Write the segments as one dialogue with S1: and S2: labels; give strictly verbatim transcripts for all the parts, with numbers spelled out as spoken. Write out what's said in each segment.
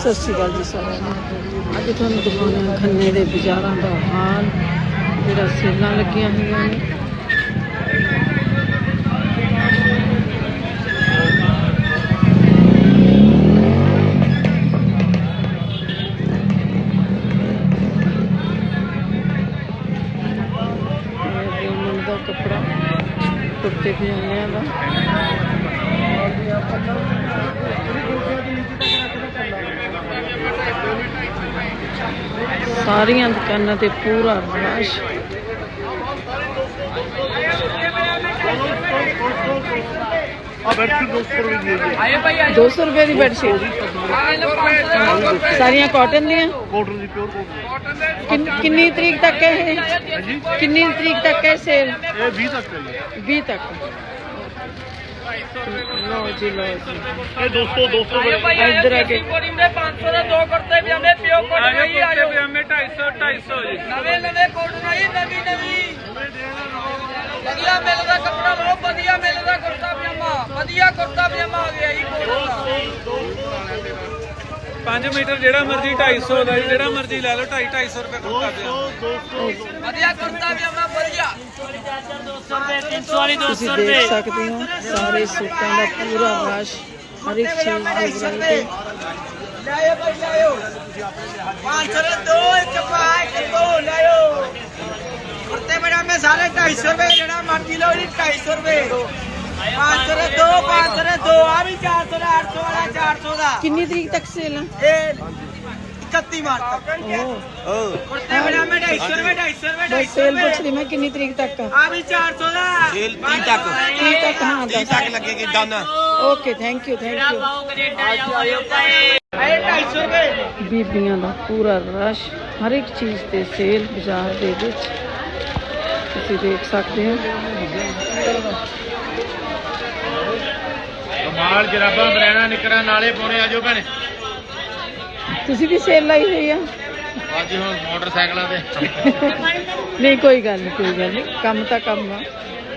S1: ਸਤਿ ਸ਼੍ਰੀ ਅਕਾਲ ਜੀ ਸਾਰਿਆਂ ਨੂੰ। ਅੱਜ ਤੁਹਾਨੂੰ ਦਿਖਾਉਂਦੇ ਹਾਂ ਖੰਨੇ ਦੇ ਬਾਜ਼ਾਰਾਂ ਦਾ ਹਾਲ, ਜਿਹੜਾ ਸੇਲਾਂ ਲੱਗੀਆਂ ਹੋਈਆਂ ਨੇ। ਇਹ ਦਾ ਕੱਪੜਾ, ਕੁੜਤੇ ਪਜਾਮਿਆਂ ਦਾ। ਸਾਰੀਆਂ ਦੁਕਾਨਾਂ ਤੇ ਪੂਰਾ ਰਸ਼। दो सौ रुपए की बेडशीट सारिया कॉटन दियां। किन्नी तरीक तक है ये? किन्नी तरीक तक है सेल? बीस तक। लो जी लो जी
S2: दो सौ दो सौ
S1: इधर आके
S3: पाँच सौ दो करते भी हमने प्यो कॉटन ही आयो
S2: हमें ढाई सौ ढाई सौ जी
S3: नवे नवे कॉटन ही नवी नवी ਵਧੀਆ ਮਿਲਦਾ ਕੱਪੜਾ ਬਹੁਤ ਵਧੀਆ ਮਿਲਦਾ। ਕੁਰਤਾ ਪਜਾਮਾ ਵਧੀਆ ਕੁਰਤਾ ਪਜਾਮਾ ਆ ਗਿਆ ਜੀ
S2: पाँच मीटर जेड़ा मर्जी ढाई सौ का जी, जेड़ा मर्जी ले लो ढाई ढाई सौ रुपए कुर्ता पजामा
S3: ਵਧੀਆ ਕੁਰਤਾ ਪਜਾਮਾ ਵਧੀਆ दो सौ रुपए तीन सौ वाली दो
S1: ਤੁਸੀਂ
S3: सौ
S1: ਦੇਖ
S3: रुपए
S1: ਸਕਦੇ ਹੋ ਸਾਰੇ ਸੂਟਾਂ ਦਾ ਪੂਰਾ ਰਸ਼, ਹਰ ਇੱਕ ਚੀਜ਼ ਦੀ ਵੈਰਾਈਟੀ।
S3: ਲਾਇਓ ਭਾਈ ਲਾਇਓ पाँच सौ दो एक पाँच दो लायो कुर्ते पजामे सारे ढाई सौ रुपए जेड़ा मर्जी लो जी ढाई सौ रुपए पाँच सौ दो पाँच सौ दो आ भी चार सौ आठ सौ वाला चार सौ का
S1: ਕਿੰਨੀ ਤਰੀਕ ਤੱਕ ਸੇਲ ਆ?
S3: इकतीस मार्च तक
S1: ਓਹ
S3: कुर्ते पजामे ढाई सौ रुपए ढाई सौ रुपए ढाई
S1: ਬਸ
S3: सौ
S1: ਸੇਲ
S3: रुपए
S1: ਪੁੱਛ ਰਹੀ ਮੈਂ किन्नी तरीक तक ਆ?
S3: आ भी चार सौ का
S4: सेल तीन तक
S1: ਤੀਹ ਤੱਕ। ਹਾਂ
S4: तीन तक लगेगी दाना।
S1: Okay thank you thank you.
S3: ढाई सौ रुपए
S1: ਬੀਬੀਆਂ ਦਾ ਪੂਰਾ ਰਸ਼, ਹਰ ਇੱਕ ਚੀਜ਼ ਤੇ ਸੇਲ ਬਾਜ਼ਾਰ ਦੇ ਵਿੱਚ ਤੁਸੀਂ ਦੇਖ ਸਕਦੇ ਹੋ।
S2: कमाल जराबा बरैना निकरा नाले पाने आजो भैने
S1: ਤੁਸੀਂ ਵੀ ਸੇਲ ਲਾਈ ਹੋਈ ਆ?
S2: ਅੱਜ ਹੁਣ ਮੋਟਰਸਾਈਕਲਾਂ ਤੇ
S1: ਨਹੀਂ ਕੋਈ ਗੱਲ ਨਹੀਂ ਕੋਈ ਗੱਲ ਨਹੀਂ, ਕੰਮ ਤਾਂ ਕੰਮ ਆ।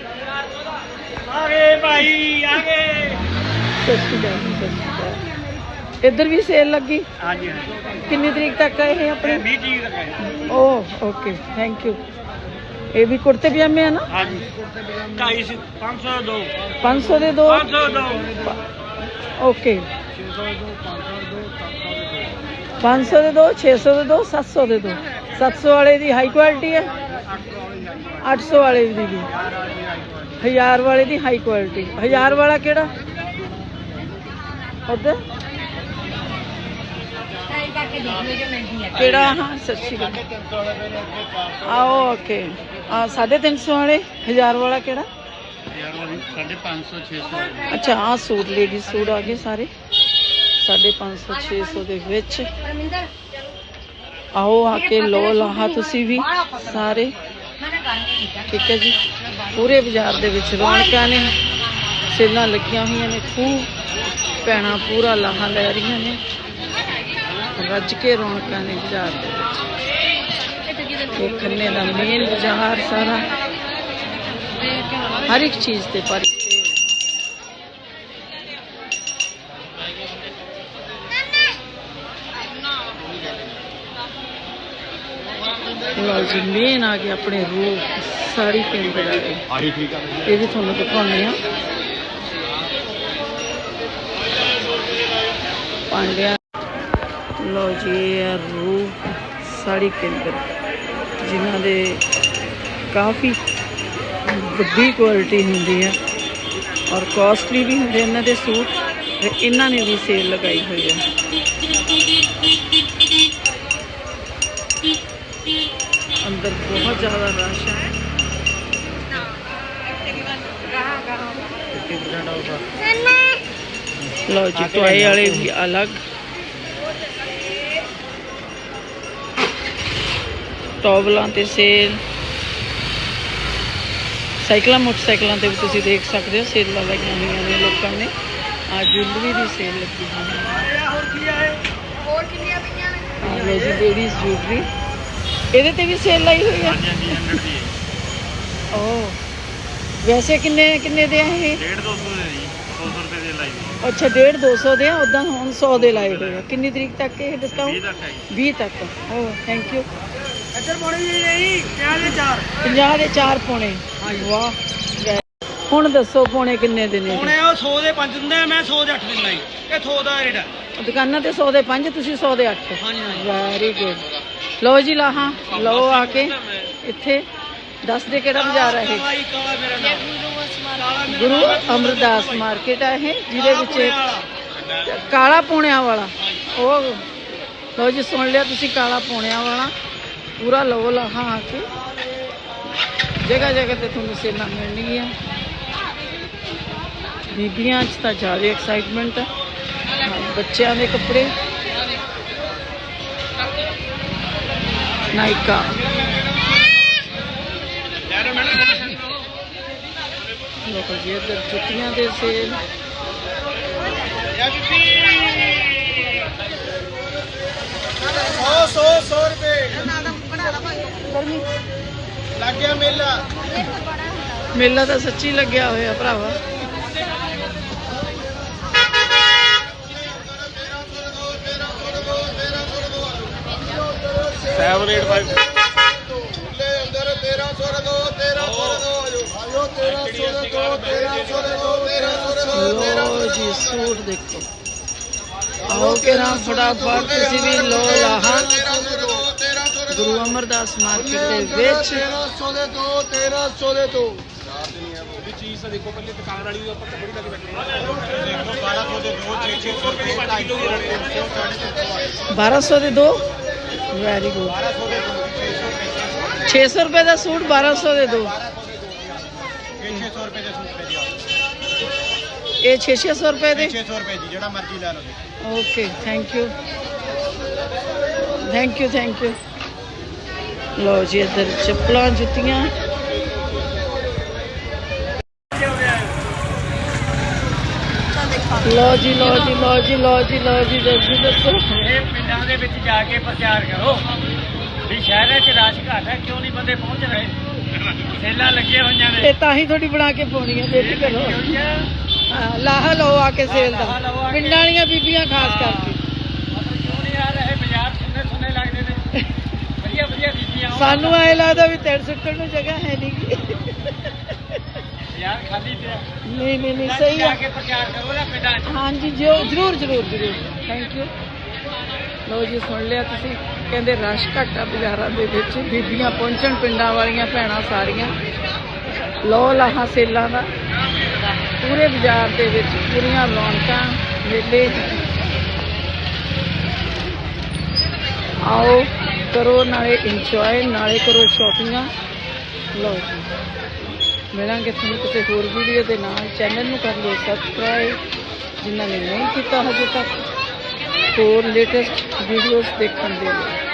S3: आगे भाई आगे
S1: ਸਤਿ ਸ਼੍ਰੀ ਅਕਾਲ ਜੀ, ਸਤਿ ਸ਼੍ਰੀ ਅਕਾਲ। ਇੱਧਰ ਵੀ ਸੇਲ ਲੱਗੀ?
S3: हाँ जी हाँ
S1: ਕਿੰਨੀ ਤਰੀਕ ਤੱਕ ਆ ਇਹ ਆਪਣੀ?
S3: बीस जी तक है
S1: ਓਹ ਓਕੇ ਥੈਂਕ ਯੂ। ਇਹ ਵੀ ਕੁੜਤੇ ਪਜਾਮੇ ਆ ਨਾ?
S3: हाँ जी ढाई सौ पाँच सौ दो
S1: ਪੰਜ ਸੌ ਦੇ ਦੋ।
S3: पाँच सौ दो
S1: ਓਕੇ ਪੰਜ ਸੌ ਦੇ ਦੋ, ਛੇ ਸੌ ਦੇ ਦੋ, ਸੱਤ ਸੌ ਦੇ ਦੋ। ਸੱਤ ਸੌ ਵਾਲੇ ਦੀ ਹਾਈ ਕੁਆਲਿਟੀ ਹੈ, ਅੱਠ ਸੌ ਵਾਲੇ ਦੀ ਵੀ, ਹਜ਼ਾਰ ਵਾਲੇ ਦੀ ਹਾਈ ਕੁਆਲਿਟੀ। ਹਜ਼ਾਰ ਵਾਲਾ ਕਿਹੜਾ ਉਧਰ ਕਿਹੜਾ? ਹਾਂ ਸਤਿ ਸ਼੍ਰੀ ਅਕਾਲ। ਆਓ ਓਕੇ ਆ ਸਾਢੇ ਤਿੰਨ ਸੌ ਵਾਲੇ। ਹਜ਼ਾਰ ਵਾਲਾ ਕਿਹੜਾ?
S2: साढ़े पाँच सौ छः सौ
S1: ਅੱਛਾ ਆਹ ਸੂਟ ਲੇਡੀ ਸੂਟ ਆ ਗਏ ਸਾਰੇ ਸਾਢੇ ਪੰਜ ਸੌ ਛੇ ਸੌ ਦੇ ਵਿੱਚ। ਆਓ ਆ ਕੇ ਲੋ ਲਾਹਾ ਤੁਸੀਂ ਵੀ ਸਾਰੇ, ਠੀਕ ਹੈ ਜੀ। ਪੂਰੇ ਬਾਜ਼ਾਰ ਦੇ ਵਿੱਚ ਰੌਣਕਾਂ ਨੇ, ਸੇਲਾਂ ਲੱਗੀਆਂ ਹੋਈਆਂ ਨੇ, ਖੂਬ ਭੈਣਾਂ ਪੂਰਾ ਲਾਹਾ ਲੈ ਰਹੀਆਂ ਨੇ, ਰੱਜ ਕੇ ਰੌਣਕਾਂ ਨੇ ਬਾਜ਼ਾਰ ਦੇ ਵਿੱਚ। ਇਹ ਖੰਨੇ ਦਾ ਮੇਨ ਬਾਜ਼ਾਰ ਸਾਰਾ, ਹਰ ਇੱਕ ਚੀਜ਼ ਤੇ ਪਰ ਲਓ ਜੀ ਮੇਨ ਆ ਗਏ ਆਪਣੇ ਰੂਪ ਸਾੜੀ ਕੇਂਦਰ ਆ ਗਏ।
S4: आही ठीक है।
S1: ਇਹ ਵੀ ਤੁਹਾਨੂੰ ਦਿਖਾਉਂਦੇ ਆ। ਪਾਂਡਿਆ ਲਓ ਜੀ ਇਹ ਰੂਪ ਸਾੜੀ ਕੇਂਦਰ, ਜਿਨ੍ਹਾਂ ਦੇ ਕਾਫੀ ਵੱਡੀ ਕੁਆਲਿਟੀ ਹੁੰਦੀ ਹੈ ਔਰ ਕਾਸਟਲੀ ਵੀ ਹੁੰਦੇ ਇਹਨਾਂ ਦੇ ਸੂਟ। ਤੇ ਇਹਨਾਂ ਨੇ ਵੀ ਸੇਲ ਲਗਾਈ ਹੋਈ ਹੈ। ਅੰਦਰ ਬਹੁਤ ਜ਼ਿਆਦਾ ਰਸ਼ ਹੈ। ਲਓ ਜੀ ਟੋਏ ਵਾਲੇ ਵੀ ਅਲੱਗ, ਟੋਬਲਾਂ ਤੇ ਸੇਲ, ਸਾਈਕਲਾਂ ਮੋਟਰਸਾਈਕਲਾਂ ਤੇ ਵੀ ਤੁਸੀਂ ਦੇਖ ਸਕਦੇ ਹੋ ਸੇਲਾਂ ਲੱਗੀਆਂ ਹੋਈਆਂ ਨੇ ਲੋਕਾਂ ਨੇ। ਆ ਜੁਐਲਰੀ ਦੀ ਸੇਲ ਲੱਗੀ ਹੋਈ ਹੈ। ਆ ਲਓ ਜੀ ਲੇਡੀਜ਼ ਜੁਐਲਰੀ, ਇਹਦੇ ਤੇ ਵੀ ਸੇਲ ਲਾਈ ਹੋਈ ਹੈ। ਓ ਵੈਸੇ ਕਿੰਨੇ ਕਿੰਨੇ ਦੇ ਆ ਇਹ?
S2: डेढ़ दो सौ दे दी ਸੌ ਰੁਪਏ ਦੇ ਲਾਈ
S1: ਅੱਛਾ ਡੇਢ ਦੋ ਸੌ ਦੇ ਆ ਉਦਾਂ ਹੁਣ ਸੌ ਦੇ ਲਾਏ ਹੋਏ ਆ। ਕਿੰਨੀ ਤਰੀਕ ਤੱਕ ਇਹ ਡਿਸਕਾਊਂਟ?
S2: ਤੱਕ ਹੈ ਜੀ।
S1: ਵੀਹ ਤੱਕ। ਓ ਥੈਂਕ ਯੂ।
S3: ਇੱਧਰ ਪਾਉਣੇ ਜੀ ਨਹੀਂ ਪਿਆਜ਼ ਦੇ ਚਾਰ
S1: ਪੰਜਾਹ ਦੇ ਚਾਰ ਪੌਣੇ। ਵਾਹ ਵੈ- ਹੁਣ ਦੱਸੋ ਪੌਣੇ ਕਿੰਨੇ ਦੇ ਨੇ?
S3: ਹੁਣੇ ਉਹ ਸੌ ਦੇ ਪੰਜ ਦਿੰਦੇ ਆ, ਮੈਂ ਸੌ ਦੇ ਅੱਠ ਦਿੰਦਾ ਜੀ। ਇਹ ਸੌ ਦਾ ਰੇਟ ਹੈ।
S1: ਦੁਕਾਨਾਂ ਤੇ ਸੌ ਦੇ ਪੰਜ, ਤੁਸੀਂ ਸੌ ਦੇ ਅੱਠ।
S3: ਹਾਂਜੀ ਹਾਂਜੀ
S1: ਵੈਰੀ ਗੁੱਡ। ਲਓ ਜੀ ਲਾਹਾਂ ਲਓ ਆ ਕੇ ਇੱਥੇ। ਦੱਸ ਦੇ ਕਿਹੜਾ ਬਾਜ਼ਾਰ ਹੈ ਇਹ?
S3: ਕਾਲਾ ਕਾਲਾ ਮੇਰਾ ਨਾਮ ਕਾਲਾ ਮੇਰਾ
S1: ਗੁਰੂ
S3: ਨਾਮ ਹੈ।
S1: ਅਮਰਦਾਸ ਮਾਰਕੀਟ ਹੈ ਇਹ, ਜਿਹਦੇ
S3: ਕਾਲਾ ਪੁਣੇ
S1: ਵਿੱਚ
S3: ਵਾਲਾ।
S1: ਕਾਲਾ ਪੂਣਿਆਂ ਵਾਲਾ। ਉਹ ਲਓ ਜੀ ਸੁਣ ਲਿਆ ਤੁਸੀਂ, ਕਾਲਾ ਪੂਣਿਆਂ ਵਾਲਾ। ਪੂਰਾ ਲਓ ਲਾਹਾਂ ਆ ਕੇ। ਜਗ੍ਹਾ ਜਗ੍ਹਾ ਤੇ ਤੁਹਾਨੂੰ ਸੇਲਾਂ ਮਿਲਣਗੀਆਂ। ਬੀਬੀਆਂ 'ਚ ਤਾਂ ਜ਼ਿਆਦਾ ਐਕਸਾਈਟਮੈਂਟ ਹੈ। ਹਾਂ, ਬੱਚਿਆਂ ਦੇ ਕੱਪੜੇ ਨਾਇਕਾ। ਲੋਕ ਜੀ ਇੱਧਰ ਜੁੱਤੀਆਂ ਦੇ ਸੇਲ।
S3: ਸੌ ਸੌ ਸੌ ਰੁਪਏ ਲੱਗ ਗਿਆ ਮੇਲਾ।
S1: ਮੇਲਾ ਤਾਂ ਸੱਚੀ ਲੱਗਿਆ ਹੋਇਆ ਭਰਾਵਾ।
S2: ਸੈਵਨ ਏਟ ਫਾਈਵ
S3: ਅੰਦਰ ਤੇਰਾਂ ਸੌ ਦੇ ਦੋ ਤੇਰਾਂ ਸੌ ਦੇ ਦੋ ਆਜੋ ਤੇਰਾਂ ਸੌ ਦੇ ਦੋ ਤੇਰਾਂ ਸੌ ਦੇ ਦੋ ਤੇਰਾਂ ਸੌ ਦੇ ਦੋ
S1: ਲੋ ਜੀ ਸੂਟ ਦੇਖੋ। ਆਓ ਕੇ ਨਾ ਫਟਾਫਟ ਤੁਸੀਂ ਵੀ ਲੋ ਲਾਹਾ ਗੁਰੂ ਅਮਰਦਾਸ ਮਾਰਕੀਟ ਦੇ ਵਿੱਚ।
S3: ਤੇਰਾਂ ਸੌ ਦੇ ਦੋ ਤੇਰਾਂ ਸੌ ਦੇ ਦੋ
S2: ਉਹਦੀ ਚੀਜ਼ ਤਾਂ ਦੇਖੋ ਪਹਿਲੇ ਦੁਕਾਨ ਵਾਲੀ ਦੇ ਉੱਪਰ ਤਾਂ ਬੜੀ ਲੱਗ ਬੈਠੀ ਦੇਖੋ ਬਾਰਾਂ ਸੌ ਦੇ ਦੋ ਛੇ ਛੇ ਸੌ ਰੁਪਏ ਢਾਈ ਕਿਲੋ ਦੀ
S1: ਬਾਰਾਂ ਸੌ ਦੇ ਦੋ। Very good. ਛੇ ਸੌ ਰੁਪਏ ਦਾ ਸੂਟ ਬਾਰਾਂ ਸੌ ਦੇ ਦੋ।
S3: ਛੇ ਸੌ ਰੁਪਏ ਦੇ ਸੂਟ ਪੈ ਜੀ
S1: ਇਹ ਛੇ ਛੇ ਸੌ ਰੁਪਏ ਦੇ।
S3: ਛੇ ਸੌ ਰੁਪਏ ਜੀ ਜਿਹੜਾ ਮਰਜ਼ੀ ਲੈ ਲਓ।
S1: Okay thank you thank you thank you. ਲਓ ਜੀ ਇੱਧਰ ਚੱਪਲਾਂ ਜੁੱਤੀਆਂ। ਲਓ ਜੀ ਲਓ ਜੀ ਲਓ ਜੀ ਲਓ ਜੀ ਲਓ ਜੀ ਦੱਸੋ ਦੱਸੋ।
S3: ਇਹ ਪਿੰਡਾਂ ਦੇ ਵਿੱਚ ਜਾ ਕੇ ਪ੍ਰਚਾਰ ਕਰੋ ਵੀ ਸ਼ਹਿਰਾਂ 'ਚ ਰਸ਼ ਘੱਟ ਹੈ, ਕਿਉਂ ਨਹੀਂ ਬੰਦੇ ਪਹੁੰਚ ਰਹੇ। ਸੇਲਾਂ ਲੱਗੀਆਂ ਹੋਈਆਂ ਨੇ।
S1: ਇਹ ਤਾਂ ਹੀ ਤੁਹਾਡੀ ਬਣਾ ਕੇ ਪਾਉਣੀ ਹੈ। ਦੇਖ ਕਰੋ ਹਾਂ, ਲਾਹਾ ਲਓ ਆ ਕੇ ਸੇਲ ਦਾ। ਪਿੰਡਾਂ ਵਾਲੀਆਂ ਬੀਬੀਆਂ ਖਾਸ ਕਰਕੇ।
S3: ਕਿਉਂ ਨਹੀਂ ਆ ਰਹੇ? ਬਾਜ਼ਾਰ ਸੁੰਨੇ ਸੁੰਨੇ ਲੱਗਦੇ ਨੇ। ਵਧੀਆ ਵਧੀਆ ਬੀਬੀਆਂ ਆਉਣ।
S1: ਸਾਨੂੰ ਐ ਲੱਗਦਾ ਵੀ ਤੇੜ ਸੁੱਟਣ ਨੂੰ ਜਗ੍ਹਾ ਹੈ ਨਹੀਂ ਗੀ।
S3: ਬਾਜ਼ਾਰ ਖਾਲੀ ਪਿਆ।
S1: ਨਹੀਂ ਨਹੀਂ ਨਹੀਂ ਸਹੀ
S3: ਜਾ
S1: ਆ।
S3: ਕੇ ਪ੍ਰਚਾਰ ਕਰੋ ਨਾ ਪਿੰਡਾਂ 'ਚ।
S1: ਹਾਂਜੀ ਜੋ ਜ਼ਰੂਰ ਜ਼ਰੂਰ ਜ਼ਰੂਰ ਥੈਂਕ ਯੂ। ਲਓ ਜੀ ਸੁਣ ਲਿਆ ਤੁਸੀਂ, ਕਹਿੰਦੇ ਰਸ਼ ਘੱਟ ਆ ਬਾਜ਼ਾਰਾਂ ਦੇ ਵਿੱਚ। ਬੀਬੀਆਂ ਪਹੁੰਚਣ, ਪਿੰਡਾਂ ਵਾਲੀਆਂ ਭੈਣਾਂ ਸਾਰੀਆਂ। ਲਓ ਲਾਹਾਂ ਸੇਲਾਂ ਦਾ ਪੂਰੇ ਬਾਜ਼ਾਰ ਦੇ ਵਿੱਚ। ਪੂਰੀਆਂ ਰੌਣਕਾਂ ਮੇਲੇ। ਆਓ ਕਰੋ ਨਾਲੇ ਇੰਜੋਏ ਨਾਲੇ ਕਰੋ ਸ਼ਾਪਿੰਗਾਂ। ਲਓ ਜੀ ਮਿਲਾਂਗੇ ਤੁਹਾਨੂੰ ਕਿਸੇ ਹੋਰ ਵੀਡੀਓ ਦੇ ਨਾਲ। ਚੈਨਲ ਨੂੰ ਕਰ ਲਓ ਸਬਸਕ੍ਰਾਈਬ ਜਿਨ੍ਹਾਂ ਨੇ ਨਹੀਂ ਕੀਤਾ ਹਜੇ ਤੱਕ। ਹੋਰ ਲੇਟੈਸਟ ਵੀਡੀਓਜ਼ ਦੇਖਣ ਦੇ ਲਈ।